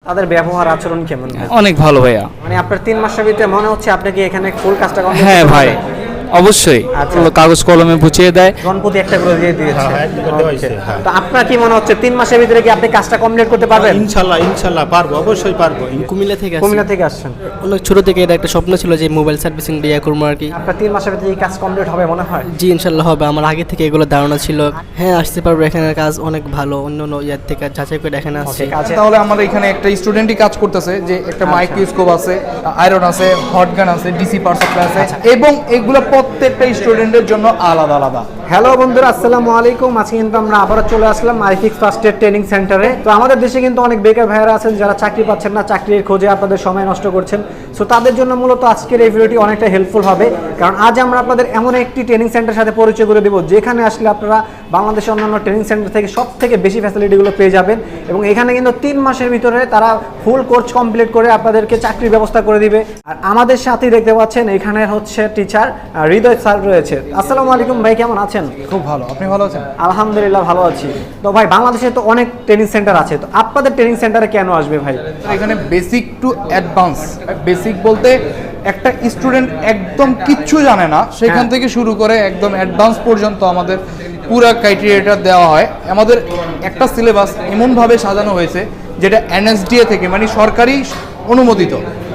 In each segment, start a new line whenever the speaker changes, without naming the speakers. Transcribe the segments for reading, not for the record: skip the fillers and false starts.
তাদের ব্যবহার আচরণ কেমন?
অনেক ভালো ভাইয়া।
মানে আপনার 3 মাসের ভিতরে মনে হচ্ছে আপনি কি এখানে ফুল কাজটা কমপ্লিট?
হ্যাঁ ভাই, অবশ্যই। কাগজ কলমে বুঝিয়ে দেয়,
গণপতি একটা করে দিয়ে দিয়েছে।
হ্যাঁ।
তো আপনার কি মনে হচ্ছে 3 মাসের ভিতরে কি আপনি কাজটা কমপ্লিট করতে পারবেন?
ইনশাল্লাহ পারবো, অবশ্যই পারবো।
কুমিল্লা থেকে
কুমিল্লা থেকে আসছেন?
অনেক ছোট থেকে এটা একটা স্বপ্ন ছিল যে মোবাইল সার্ভিসিং দিয়ে করবো আর কি।
আপনার 3 মাসের ভিতরে এই কাজ কমপ্লিট হবে মনে হয়?
জি ইনশাল্লাহ হবে, আমার আগে থেকে এগুলো ধারণা ছিল। হ্যাঁ আসতে পারবো, এখানের কাজ অনেক ভালো, অন্য অন্য ইয়ার থেকে যাচাই করে এখানে আসছে।
তাহলে আমাদের এখানে একটা স্টুডেন্টই কাজ করতেছে, যে একটা মাইক্রোস্কোপ আছে, আয়রন আছে, হট গান আছে, ডিসি পাওয়ার সাপ্লাই আছে, এবং এগুলো প্রত্যেকটা স্টুডেন্টের জন্য আলাদা আলাদা।
হ্যালো বন্ধুরা, আসসালামু আলাইকুম। আজকে কিন্তু আমরা আবারও চলে আসলাম আইফিক্স ফার্স্ট এড ট্রেনিং সেন্টারে। তো আমাদের দেশে কিন্তু অনেক বেকার ভাইয়েরা আছেন যারা চাকরি পাচ্ছেন না, চাকরির খোঁজে আপনাদের সময় নষ্ট করছেন। সো তাদের জন্য মূলত আজকের এই ভিডিওটি অনেকটা হেল্পফুল হবে, কারণ আজ আমরা আপনাদের এমন একটি ট্রেনিং সেন্টারের সাথে পরিচয় করে দেবো যেখানে আসলে আপনারা বাংলাদেশের অন্যান্য ট্রেনিং সেন্টার থেকে সব থেকে বেশি ফ্যাসিলিটিগুলো পেয়ে যাবেন। এবং এখানে কিন্তু 3 মাসের ভিতরে তারা ফুল কোর্স কমপ্লিট করে আপনাদেরকে চাকরির ব্যবস্থা করে দিবে। আর আমাদের সাথেই দেখতে পাচ্ছেন এখানে হচ্ছে টিচার হৃদয় স্যার রয়েছে। আসসালামু আলাইকুম ভাই, কেমন আছেন?
খুব ভালো, আপনি ভালো আছেন?
আলহামদুলিল্লাহ ভালো আছি। তো ভাই বাংলাদেশে তো অনেক ট্রেনিং সেন্টার আছে, তো আপনাদের ট্রেনিং সেন্টারে কেন আসবে ভাই?
এখানে বেসিক টু অ্যাডভান্স, বেসিক বলতে একটা স্টুডেন্ট একদম কিচ্ছু জানে না সেখান থেকে শুরু করে একদম অ্যাডভান্স পর্যন্ত আমাদের পুরো ক্রাইটেরিয়াটা দেওয়া হয়। আমাদের একটা সিলেবাস এমনভাবে সাজানো হয়েছে যেটা এনএসডিএ থেকে, মানে সরকারি অনুমোদিত।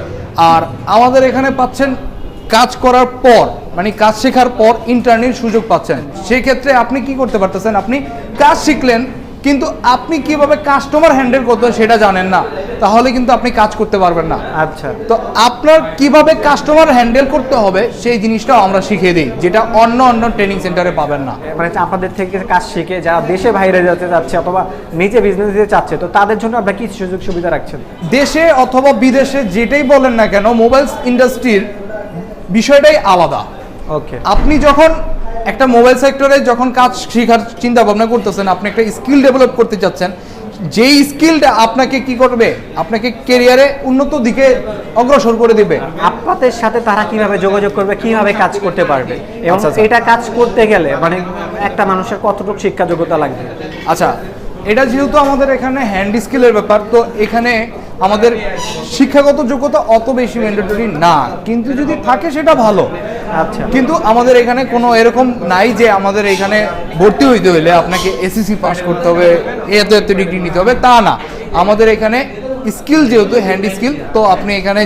আর আমাদের এখানে পাচ্ছেন কাজ করার পর, মানে কাজ শেখার পর ইন্টার্নির সুযোগ পাচ্ছেন। সেই ক্ষেত্রে আপনি কি করতে পারতেছেন, আপনি কাজ শিখলেন কিন্তু আপনি কিভাবে কাস্টমার হ্যান্ডেল করতে হয় সেটা জানেন না, তাহলে কিন্তু আপনি কাজ করতে পারবেন না।
আচ্ছা,
তো আপনার কিভাবে কাস্টমার হ্যান্ডেল করতে হবে সেই জিনিসটাও আমরা শিখিয়ে দিই, যেটা অন্য অন্য ট্রেনিং সেন্টারে পাবেন না।
মানে আপনাদের থেকে কাজ শিখে যারা দেশে বাইরে যেতে চাচ্ছে অথবা নিজে বিজনেস দিতে চাচ্ছে, তো তাদের জন্য আপনারা কি সুযোগ সুবিধা রাখছেন?
দেশে অথবা বিদেশে যেটাই বলেন না কেন, মোবাইল ইন্ডাস্ট্রির বিষয়টাই আলাদা।
ওকে,
আপনি যখন একটা মোবাইল সেক্টরে যখন কাজ শেখার চিন্তা ভাবনা করতেছেন, আপনি একটা স্কিল ডেভেলপ করতে চাচ্ছেন, যেই স্কিলটা আপনাকে কি করবে, আপনাকে ক্যারিয়ারে উন্নত দিকে অগ্রসর করে দিবে।
আপনাদের সাথে তারা কিভাবে যোগাযোগ করবে, কিভাবে কাজ করতে পারবে, এবং এটা কাজ করতে গেলে মানে একটা মানুষের কতটুকু শিক্ষা যোগ্যতা লাগবে?
আচ্ছা, এটা যেহেতু আমাদের এখানে হ্যান্ড স্কিলের ব্যাপার, তো এখানে আমাদের শিক্ষাগত যোগ্যতা অত বেশি ম্যান্ডেটরি না, কিন্তু যদি থাকে সেটা ভালো।
আচ্ছা,
কিন্তু আমাদের এখানে কোনো এরকম নাই যে আমাদের এখানে ভর্তি হইতে হলে আপনাকে এসএসসি পাস করতে হবে, এত ডিগ্রি নিতে হবে, তা না। আমাদের এখানে স্কিল যেহেতু হ্যান্ড স্কিল, তো আপনি এখানে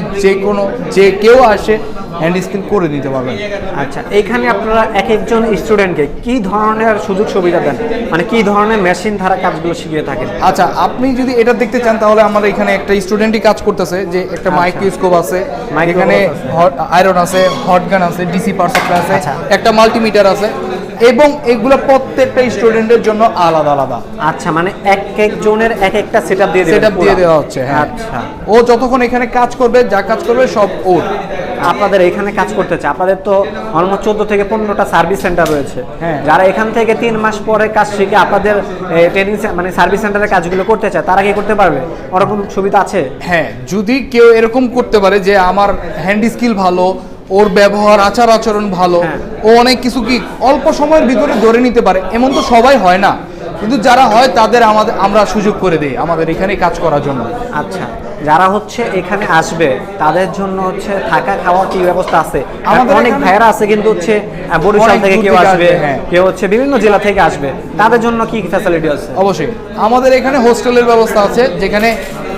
যে কেউ আসে হ্যান্ড স্কিল করে দিতে পারবেন।
আচ্ছা, এখানে আপনারা এক একজন স্টুডেন্টকে কি ধরনের সুযোগ সুবিধা দেন, মানে কি ধরনের মেশিন ধারা কাজগুলো শিখিয়ে থাকেন?
আচ্ছা, আপনি যদি এটা দেখতে চান তাহলে আমাদের এখানে একটা স্টুডেন্টই কাজ করতেছে, যে একটা মাইক্রোস্কোপ আছে, এখানে আয়রন আছে, হট গান আছে, ডিসি পাওয়ার সাপ্লাই আছে, একটা মাল্টিমিটার আছে, এবং এগুলো প্রত্যেকটা স্টুডেন্টের জন্য আলাদা আলাদা।
আচ্ছা, মানে এক একজনের এক একটা সেটআপ দিয়ে
দেওয়া হচ্ছে। হ্যাঁ,
আচ্ছা,
ও যতক্ষণ এখানে কাজ করবে, যা কাজ করবে সব ওর।
আপনাদের এখানে কাজ করতে চায়, আপনাদের তো অলমোস্ট 14 থেকে 15টা সার্ভিস সেন্টার রয়েছে।
হ্যাঁ,
যারা এখান থেকে 3 মাস পরে কাজ শিখে আপনাদের ট্রেনিং মানে সার্ভিস সেন্টারে কাজগুলো করতে চায়, তারা কি করতে পারবে? ওরকম সুবিধা আছে?
হ্যাঁ, যদি কেউ এরকম করতে পারে যে আমার হ্যান্ড স্কিল ভালো, ওর ব্যবহার আচার আচরণ ভালো, ও অনেক কিছু কি অল্প সময়ের ভিতরে ধরে নিতে পারে, এমন তো সবাই হয় না, কিন্তু যারা হয় তাদের আমরা সুযোগ করে দিই আমাদের এখানে কাজ করার জন্য।
আচ্ছা, যারা হচ্ছে এখানে আসবে তাদের জন্য হচ্ছে থাকা খাওয়ার কি ব্যবস্থা আছে? আমাদের অনেক ভাইয়েরা আছে কিন্তু হচ্ছে বরিশাল থেকে কেউ আসবে, কেউ হচ্ছে বিভিন্ন জেলা থেকে আসবে, তাদের জন্য কি ফ্যাসিলিটি আছে?
অবশ্যই আমাদের এখানে হোস্টেলের ব্যবস্থা আছে, যেখানে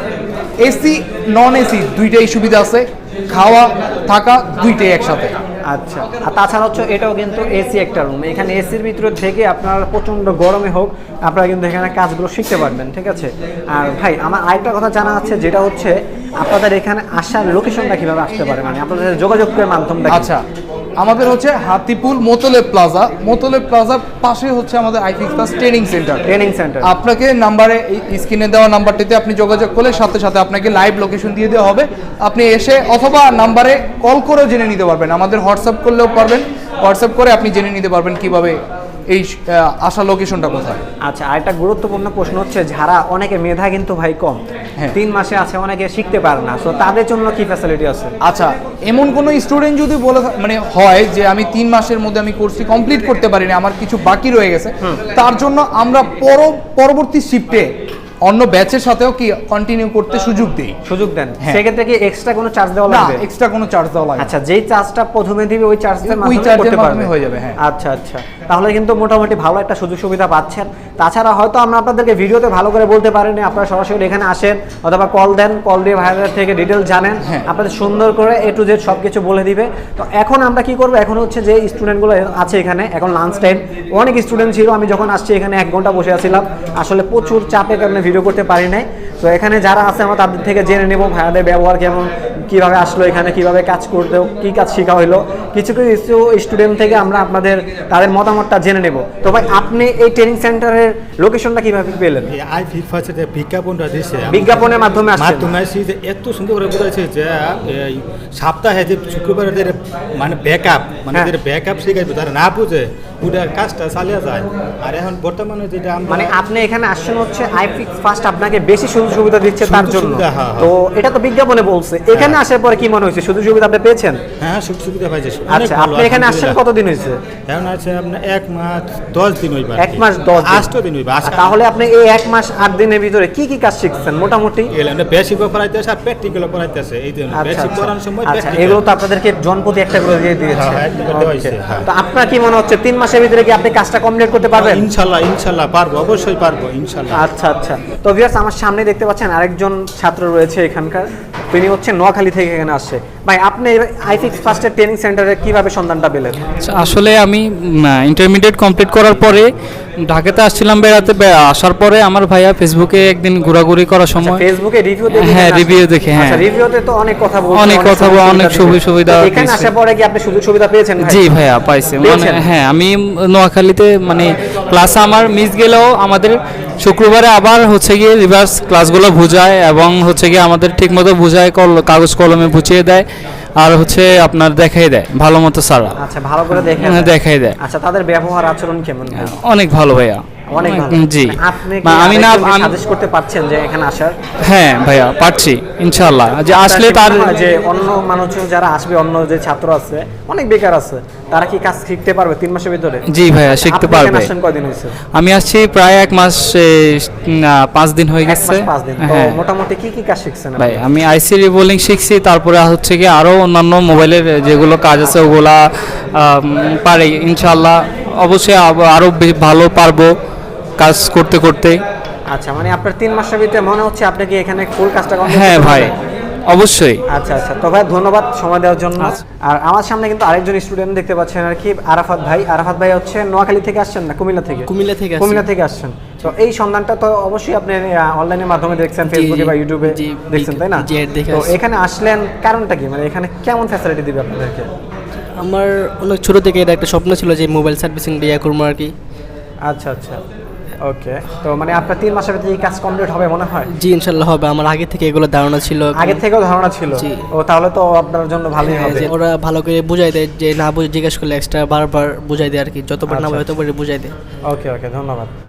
এসি নন এসি দুইটাই সুবিধা আছে, খাওয়া থাকা দুইটাই একসাথে।
আচ্ছা, আর তাছাড়া হচ্ছে এটাও কিন্তু এসি একটা রুম, এখানে এসির ভিতরে থেকে আপনার প্রচণ্ড গরমে হোক আপনারা কিন্তু এখানে কাজগুলো শিখতে পারবেন, ঠিক আছে? আর ভাই আমার আরেকটা কথা জানা আছে, যেটা হচ্ছে আপনাদের এখানে আসার লোকেশনটা কীভাবে আসতে পারে, মানে আপনাদের যোগাযোগের মাধ্যমটা?
আচ্ছা, আমাদের হচ্ছে হাতিপুল মোতলেব প্লাজার পাশে হচ্ছে আমাদের আইফিক্স প্লাস ট্রেনিং সেন্টার। আপনাকে নাম্বারে, স্ক্রিনে দেওয়া নাম্বারটিতে আপনি যোগাযোগ করলে সাথে সাথে আপনাকে লাইভ লোকেশন দিয়ে দেওয়া হবে, আপনি এসে অথবা নাম্বারে কল করেও জেনে নিতে পারবেন, আমাদের হোয়াটসঅ্যাপ করলেও পারবেন, হোয়াটসঅ্যাপ করে আপনি জেনে নিতে পারবেন কিভাবে এই আসা লোকেশনটা কোথায়।
আচ্ছা, আরেকটা গুরুত্বপূর্ণ প্রশ্ন হচ্ছে, যারা অনেকে মেধা কিন্তু ভাই কম, 3 মাসে আছে, অনেকে শিখতে পারে না, তো তাদের জন্য কি ফ্যাসিলিটি আছে?
আচ্ছা, এমন কোনো স্টুডেন্ট যদি মানে হয় যে আমি 3 মাসের মধ্যে আমি কোর্সটি কমপ্লিট করতে পারিনি, আমার কিছু বাকি রয়ে গেছে, তার জন্য আমরা পরবর্তী শিফটে অন্য ব্যাচের সাথেও কি কন্টিনিউ করতে সুযোগ দিই।
সুযোগ দেন,
হ্যাঁ।
সেক্ষেত্রে কি এক্সট্রা কোনো চার্জ দেওয়া
না,
লাগবে?
এক্সট্রা কোনো চার্জ দেওয়া লাগে না।
আচ্ছা, যেই চার্জটা প্রথমে দিবে ওই চার্জের
ওই
মাধ্যমে
চার্জের
করতে
মাধ্যমে
পারবে।
হয়ে যাবে, হ্যাঁ।
আচ্ছা আচ্ছা, তাহলে কিন্তু মোটামুটি ভালো একটা সুযোগ সুবিধা পাচ্ছেন। তাছাড়া হয়তো আমরা আপনাদেরকে ভিডিওতে ভালো করে বলতে পারিনি, আপনারা সরাসরি এখানে আসেন অথবা কল দেন, কল দিয়ে ভাইয়াদের থেকে ডিটেল জানেন,
হ্যাঁ।
আপনাদের সুন্দর করে A to Z সব কিছু বলে দিবে। তো এখন আমরা কি করবো, এখন হচ্ছে যে স্টুডেন্টগুলো আছে এখানে, এখন লাঞ্চ টাইম, অনেক স্টুডেন্ট ছিল, আমি যখন আসছি এখানে 1 ঘন্টা বসে আছিলাম, আসলে প্রচুর চাপের কারণে ভিডিও করতে পারি নাই। তো এখানে যারা আছে আমরা তাদের থেকে জেনে নেব ভাইয়াদের ব্যবহার কেমন, কিভাবে আসলো এখানে, কিভাবে কাজ করতে, কি কাজ শেখা হলো, কিছু কিছু স্টুডেন্ট থেকে আমরা আপনাদের তাদের মতামতটা জেনে নেব। তো ভাই আপনি এই ট্রেনিং সেন্টারের লোকেশনটা কিভাবে পেলেন?
এই আইফিক্স ফার্স্টের যে বিজ্ঞাপনটা দিছে
বিজ্ঞাপনের মাধ্যমে আসছেন?
মাধ্যমে আসছি যে এত সুন্দর করে বলেছে যে এই সপ্তাহে যে শুক্রবারে যে মানে ব্যাকআপ মানে
হ্যাঁ।
যে ব্যাকআপ শিখাইবে তারা না বুঝে ওটা কাজটা চালিয়ে যায়। আর এখন বর্তমানে যেটা আমরা
মানে আপনি এখানে আসছেন হচ্ছে আইফিক্স ফার্স্ট আপনাকে বেশি সুযোগ সুবিধা দিচ্ছে তার
সুযোগ
জন্য।
সুবিধা, হ্যাঁ, হ্যাঁ।
তো এটা তো বিজ্ঞাপনে বলছে, এখানে আসার পরে কি মনে হয়েছে, সুযোগ সুবিধা আপনি পেয়েছেন?
হ্যাঁ সুযোগ সুবিধা পাইছে। অনেক
আচ্ছা,
ভালো,
আপনি এখানে আসছেন
আলহামদুলিল্লাহ।
কতদিন হয়েছে?
এখন আছে আপনার 1 মাস 10 দিন হইবে।
1 মাস 10 দিন।
8 দিন হইবে।
তাহলে আপনি এই 1 মাস 8 দিনের ভিতরে কি কি কাজ শিখছেন মোটামুটি?
এগুলো বেসিক পড়াইতেছে আর প্র্যাকটিক্যাল পড়াইতেছে। এই যে
আচ্ছা
বেসিক
আচ্ছা
পড়ানোর সময়
আচ্ছা,
practical।
এগুলো তো আপনাদেরকে জনপ্রতি একটা করে দিয়ে দিয়েছে।
হ্যাঁ, একটা করে দেওয়া হয়েছে,
Okay.
হ্যাঁ।
তো আপনার কি মনে হচ্ছে 3 মাসের ভিতরে কি আপনি কাজটা কমপ্লিট করতে পারবেন?
ইনশাআল্লাহ ইনশাআল্লাহ পারবো, অবশ্যই পারবো ইনশাআল্লাহ।
আচ্ছা আচ্ছা। তো ভিউয়ার্স আমার সামনে দেখতে পাচ্ছেন আরেকজন ছাত্র রয়েছে এখানকার, তিনি হচ্ছে নোয়াখালী থেকে এখানে আসছে। ভাই আপনি আইফিক্স ফার্স্টের ট্রেনিং সেন্টারে কিভাবে সন্ধানটা পেলেন?
আচ্ছা, আসলে আমি ইন্টারমিডিয়েট কমপ্লিট করার পরে ঢাকাতে আসছিলাম বেড়াতে, আসার পরে আমার ভাইয়া ফেসবুকে একদিন ঘোরাঘুরি করার
আচ্ছা,
সময়
ফেসবুকে রিভিউ দেখে
হ্যাঁ,
এখানে
review
আসছেন?
দেখে, হ্যাঁ।
আচ্ছা, রিভিউতে তো অনেক কথা বলছে,
অনেক কথা বলে, অনেক সুযোগ সুবিধা
তো এখানে
দিয়েছে।
আসার পরে কি আপনি সুযোগ সুবিধা পেয়েছেন ভাই?
জি ভাইয়া পাইছি, মানে
পেয়েছেন?
হ্যাঁ আমি নোয়াখালীতে মানে ক্লাস আমার মিস গেলেও আমাদের শুক্রবারে আবার হচ্ছে গিয়ে রিভার্স ক্লাসগুলো বুঝায় এবং হচ্ছে গিয়ে আমাদের ঠিকমতো বুঝায়, কাগজ কলমে বুঝিয়ে দেয় আর হচ্ছে আপনার দেখাই দেয় ভালো মতো সারা।
আচ্ছা, ভালো করে দেখে
হ্যাঁ, দেখাই দেয়।
আচ্ছা, তাদের ব্যবহার আচরণ কেমন ভাই?
অনেক ভালো ভাইয়া,
অনেক ভালো।
জি।
মানে আপনি কি
আমি না আমি
সাজেস্ট করতে পারছেন যে এখানে আসার?
হ্যাঁ ভাইয়া পারছি ইনশাআল্লাহ, যে আসলে
আপনার কি
তার
মনে হয় যে অন্য মানুষজন যারা আসবে, অন্য যে ছাত্র আছে অনেক বেকার আছে, তারা কি কাজ শিখতে পারবে 3 মাসের ভিতরে?
জি ভাইয়া শিখতে
আপনি এখানে
পারবে।
আসছেন কয়দিন হয়েছে?
আমি আসছি প্রায় 1 মাস 5 দিন হয়ে
1
গেছে।
মাস 5 দিন। তো
হ্যাঁ
মোটামুটি কি কি কাজ শিখছেন
ভাই
আপনি?
আমি আইসি রিবোলিং শিখছি, তারপরে হচ্ছে কি আরো অন্যান্য মোবাইলের যেগুলো কাজ আছে ওগুলা পারি ইনশাআল্লাহ, অবশ্যই আরো ভালো পারবো কাজ করতে করতে।
আচ্ছা, মানে আপনার 3 মাসের ভিতরে মনে হচ্ছে আপনি কি এখানে ফুল কাজটা complete
হ্যাঁ
করতে
ভাই
পারবেন?
অবশ্যই।
আচ্ছা আচ্ছা, তো ভাই ধন্যবাদ সময় দেওয়ার জন্য।
আচ্ছা।
আর আমার সামনে কিন্তু আরেকজন স্টুডেন্ট দেখতে পাচ্ছেন আর কি, আরাফাত ভাই। আরাফাত ভাই হচ্ছে নোয়াখালী থেকে আসছেন না কুমিল্লা থেকে?
কুমিল্লা থেকে আসছি।
কুমিল্লা থেকে আসছেন। তো এই সন্ধানটা তো অবশ্যই আপনি অনলাইনের মাধ্যমে দেখছেন, ফেসবুকে বা ইউটিউবে
জি,
দেখছেন, তাই না?
জি, ad দেখে
তো
আসছি।
এখানে আসলেন কারণটা কি, মানে এখানে কেমন ফ্যাসিলিটি দিবে আপনাদেরকে?
আমার অনেক ছোট থেকে এটা একটা স্বপ্ন ছিল যে মোবাইল সার্ভিসিং দিয়ে করবো আর কি।
আচ্ছা আচ্ছা, ওকে। তো মানে আপনার 3 মাসের ভিতরে এই কাজ কমপ্লিট হবে মনে হয়?
জি ইনশাল্লাহ হবে, আমার আগে থেকে এগুলো ধারণা ছিল।
আগে থেকেও ধারণা ছিল?
জি।
ও তাহলে তো আপনার জন্য ভালোই
হ্যাঁ,
হবে।
যে ওরা ভালো করে বুঝাই দেয়, যে না বুঝে জিজ্ঞেস করলে এক্সট্রা বারবার বুঝাই দেয় আর কি, যতবার না
আচ্ছা,
বুঝে ততবারই বুঝাই দেয়।
ওকে ওকে, ধন্যবাদ।